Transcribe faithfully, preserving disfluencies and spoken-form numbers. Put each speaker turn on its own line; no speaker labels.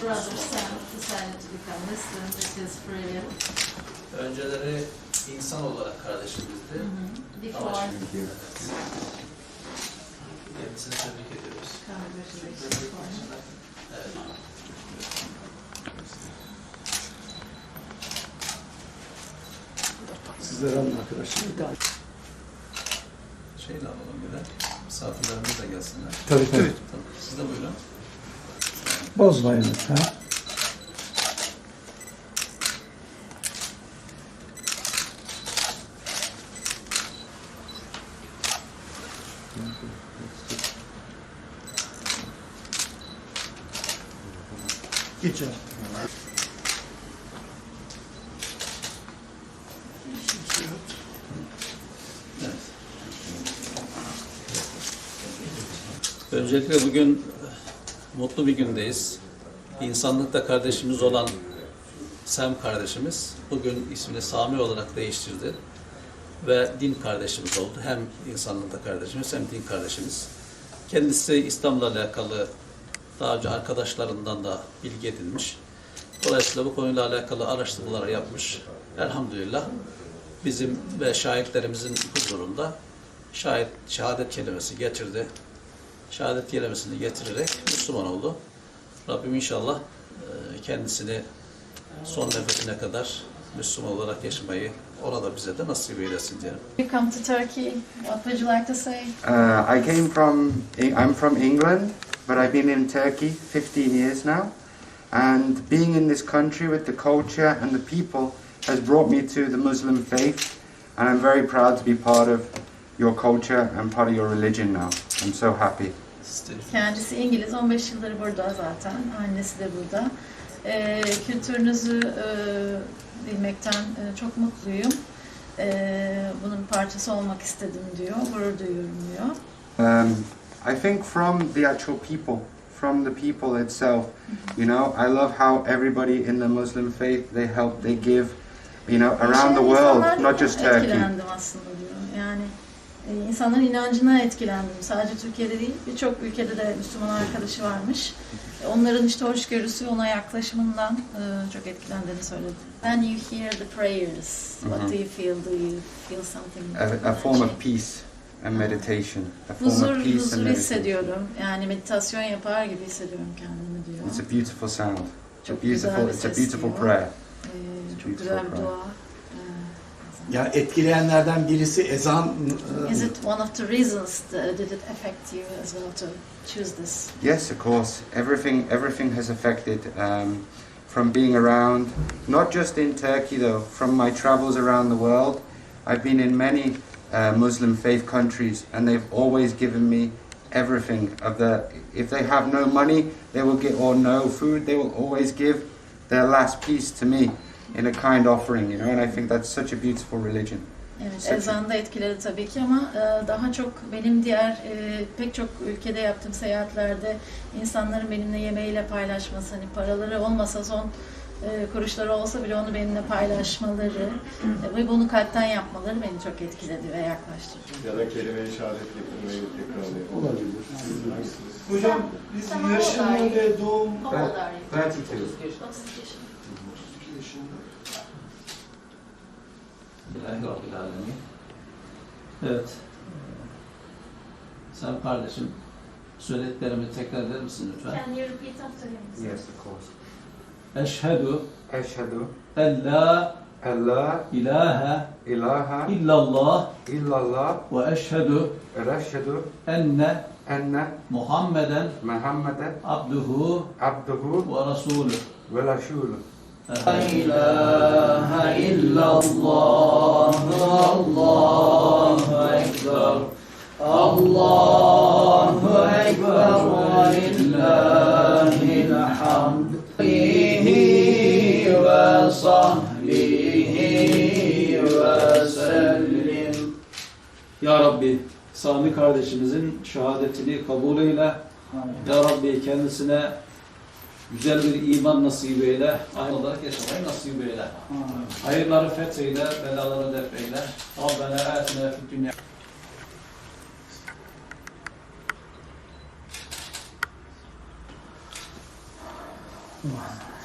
brother Sam decided to become Muslim because really
Önceleri insan olarak kardeşimizdi.
before
Ama şimdi kendisini tebrik ediyoruz.
congratulations for him.
Evet.
Sizlere alın arkadaşlar.
Şeyle alalım bir de. Misafirlerimiz de gelsinler.
Tabii tabii.
Tamam. Siz de buyurun.
Bozmayın lütfen. Geçer.
Evet. Öncelikle bugün mutlu bir gündeyiz. İnsanlıkta kardeşimiz olan Sam kardeşimiz bugün ismini Sami olarak değiştirdi ve din kardeşimiz oldu. Hem insanlıkta kardeşimiz hem din kardeşimiz. Kendisi İslam'la alakalı daha önce arkadaşlarından da bilgi edinmiş. Dolayısıyla bu konuyla alakalı araştırmalar yapmış. Elhamdülillah bizim ve şahitlerimizin huzurunda şahit, şehadet kelimesi getirdi. Şehadet kelimesini getirerek Müslüman oldu. Rabbim inşallah kendisini son nefesine kadar Müslüman olarak yaşamayı ona da bize de nasip eylesin diyelim.
You come to Turkey. What would you like to say?
Uh, I came from, I'm from England, but I've been in Turkey fifteen years now. And being in this country with the culture and the people has brought me to the Muslim faith. And I'm very proud to be part of your culture and part of your religion now. I'm so happy.
Kendisi İngiliz, on beş yıldır burada zaten. Annesi de burada. Ee, kültürünüzü e, bilmekten e, çok mutluyum. E, bunun bir parçası olmak istedim diyor, gurur duyuyorum diyor.
Um, I think from the actual people, from the people itself, you know, I love how everybody in the Muslim faith, they help, they give, you know, around the world, not just Turkey.
Etkilendim aslında diyor. Yani e, insanların inancına etkilendim. Sadece Türkiye'de değil, birçok ülkede de Müslüman arkadaşı varmış. E, onların işte hoşgörüsü, ona yaklaşımından e, çok etkilendiğini söyledi. When you hear the prayers, what do you feel? Do you feel something?
A, a form of peace and meditation. A form
Huzur,
of peace and
huzur
meditation.
hissediyorum. Yani meditasyon yapar gibi hissediyorum kendimi diyor.
It's a beautiful sound. It's a
Çok güzel
beautiful,
bir
it's a
ses
beautiful
diyor.
prayer.
Ee, çok
Beautiful
güzel bir
prayer.
dua.
Yani etkileyenlerden birisi ezan.
Ee, Is it one of the reasons that did it affect you as well to choose this?
Yes, of course. Everything, everything has affected um, from being around, not just in Turkey though, from my travels around the world. I've been in many uh, Muslim faith countries and they've always given me everything of the, if they have no money, they will get, or no food, they will always give their last piece to me in a kind offering, you know, and I think that's such a beautiful religion.
Evet,
Such a-
ezan da etkiledi tabii ki ama e, daha çok benim diğer e, pek çok ülkede yaptığım seyahatlerde insanların benimle yemeğiyle paylaşması, hani paraları olmasa son e, kuruşları olsa bile onu benimle paylaşmaları e, ve bunu kalpten yapmaları beni çok etkiledi ve yaklaştırdı.
Ya da kelime-i şehadet getirmeyi tekrarlayalım.
Olabilir.
Hocam biz yaşını ve doğum
thirty-two.
Bismillahirrahmanirrahim. Evet. Sen kardeşim söylediklerimi tekrar eder misin lütfen?
Can you repeat after him?
Yes, of course.
Eşhedü
Eşhedü
en la
en la
ilahe
ilahe
illallah
illallah
ve eşhedü
ve eşhedü
enne
enne
Muhammeden
Muhammeden
abduhu
abduhu
ve rasulü.
ve rasulü.
La ilahe illallah, Allahu ekber, Allahu ekber ve lillahil hamd. Alihi ve sahbihi ve sellim. Ya Rabbi, Sami kardeşimizin şehadetini kabul eyle. Ya Rabbi kendisine güzel bir iman nasip eyle, aynı olarak yaşamayı nasip eyle. Hayırları fetheyle, belaları def eyle. Rabbena atina fid dünya.
Wow.